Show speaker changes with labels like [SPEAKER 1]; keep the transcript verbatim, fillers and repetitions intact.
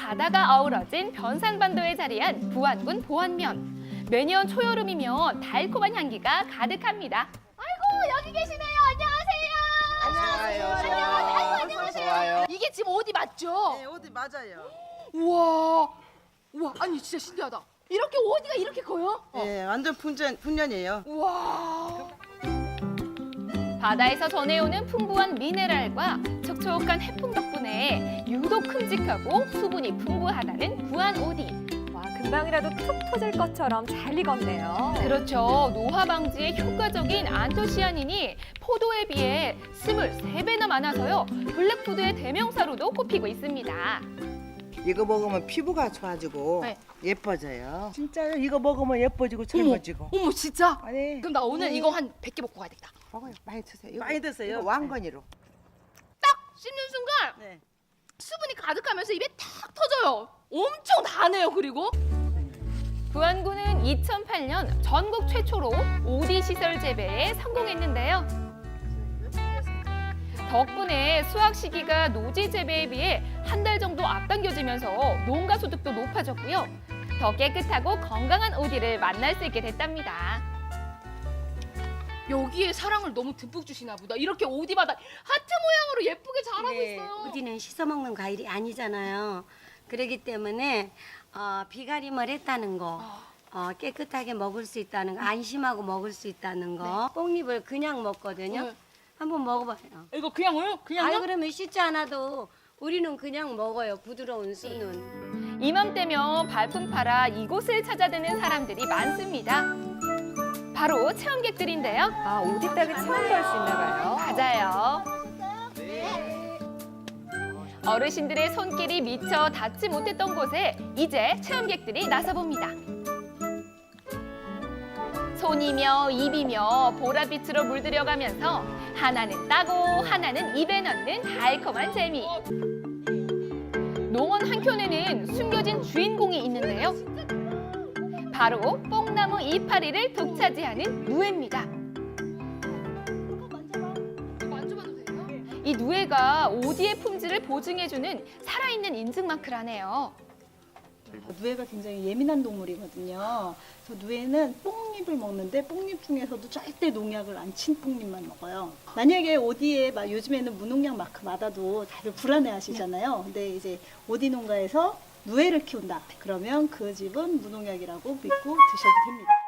[SPEAKER 1] 바다가 어우러진 변산반도에 자리한 부안군 보안면. 매년 초여름이면 달콤한 향기가 가득합니다. 아이고 여기 계시네요. 안녕하세요.
[SPEAKER 2] 안녕하세요.
[SPEAKER 1] 안녕하세요. 아이고, 안녕하세요.
[SPEAKER 2] 좋아요.
[SPEAKER 1] 이게 지금 어디 맞죠?
[SPEAKER 2] 네, 어디 맞아요.
[SPEAKER 1] 우와, 우와, 아니 진짜 신기하다. 이렇게 어디가 이렇게 커요?
[SPEAKER 2] 네, 완전 풍년, 풍년이에요.
[SPEAKER 1] 우와. 바다에서 전해오는 풍부한 미네랄과 촉촉한 해풍 덕분에 유독 큼직하고 수분이 풍부하다는 부안 오디.
[SPEAKER 3] 와, 금방이라도 툭 터질 것처럼 잘 익었네요.
[SPEAKER 1] 그렇죠. 노화 방지에 효과적인 안토시아닌이 포도에 비해 스물세 배나 많아서요. 블랙푸드의 대명사로도 꼽히고 있습니다.
[SPEAKER 4] 이거 먹으면 피부가 좋아지고
[SPEAKER 1] 네.
[SPEAKER 4] 예뻐져요. 진짜요? 이거 먹으면 예뻐지고 젊어지고.
[SPEAKER 1] 어머 진짜?
[SPEAKER 4] 아니,
[SPEAKER 1] 그럼 나 오늘
[SPEAKER 4] 네.
[SPEAKER 1] 이거 한 백 개 먹고 가야겠다.
[SPEAKER 4] 먹어요. 많이 드세요. 이거,
[SPEAKER 2] 많이 드세요.
[SPEAKER 4] 이거 왕건이로.
[SPEAKER 1] 딱 씹는 순간
[SPEAKER 2] 네.
[SPEAKER 1] 수분이 가득하면서 입에 탁 터져요. 엄청 다네요. 그리고 부안군은 이천팔 년 전국 최초로 오디 시설 재배에 성공했는데요. 덕분에 수확 시기가 노지 재배에 비해 한 달 정도 앞당겨지면서 농가 소득도 높아졌고요. 더 깨끗하고 건강한 오디를 만날 수 있게 됐답니다. 여기에 사랑을 너무 듬뿍 주시나 보다. 이렇게 오디마다 하트 모양으로 예쁘게 자라고
[SPEAKER 5] 네,
[SPEAKER 1] 있어요.
[SPEAKER 5] 우디는 씻어 먹는 과일이 아니잖아요. 그렇기 때문에 어, 비가림을 했다는 거, 어, 깨끗하게 먹을 수 있다는 거, 안심하고 먹을 수 있다는 거. 뽕잎을 그냥 먹거든요.
[SPEAKER 1] 네.
[SPEAKER 5] 한번 먹어봐요.
[SPEAKER 1] 이거 그냥요? 그냥요?
[SPEAKER 5] 아유 그러면 씻지 않아도 우리는 그냥 먹어요. 부드러운 순은.
[SPEAKER 1] 이맘때면 발품 팔아 이곳을 찾아드는 사람들이 많습니다. 바로 체험객들인데요.
[SPEAKER 3] 아, 오디 닭을 체험할 수 있나 봐요.
[SPEAKER 1] 맞아요. 어르신들의 손길이 미처 닿지 못했던 곳에 이제 체험객들이 나서봅니다. 손이며 입이며 보랏빛으로 물들여가면서 하나는 따고 하나는 입에 넣는 달콤한 재미. 농원 한켠에는 숨겨진 주인공이 있는데요. 바로 뽕나무 이파리를 독차지하는 누에입니다. 이 누에가 오디의 품질을 보증해주는 살아있는 인증 마크라네요.
[SPEAKER 6] 누에가 굉장히 예민한 동물이거든요. 그래서 누에는 뽕잎을 먹는데 뽕잎 중에서도 절대 농약을 안 친 뽕잎만 먹어요. 만약에 오디에 막 요즘에는 무농약 마크 받아도 다들 불안해하시잖아요. 근데 이제 오디 농가에서 누에를 키운다. 그러면 그 집은 무농약이라고 믿고 드셔도 됩니다.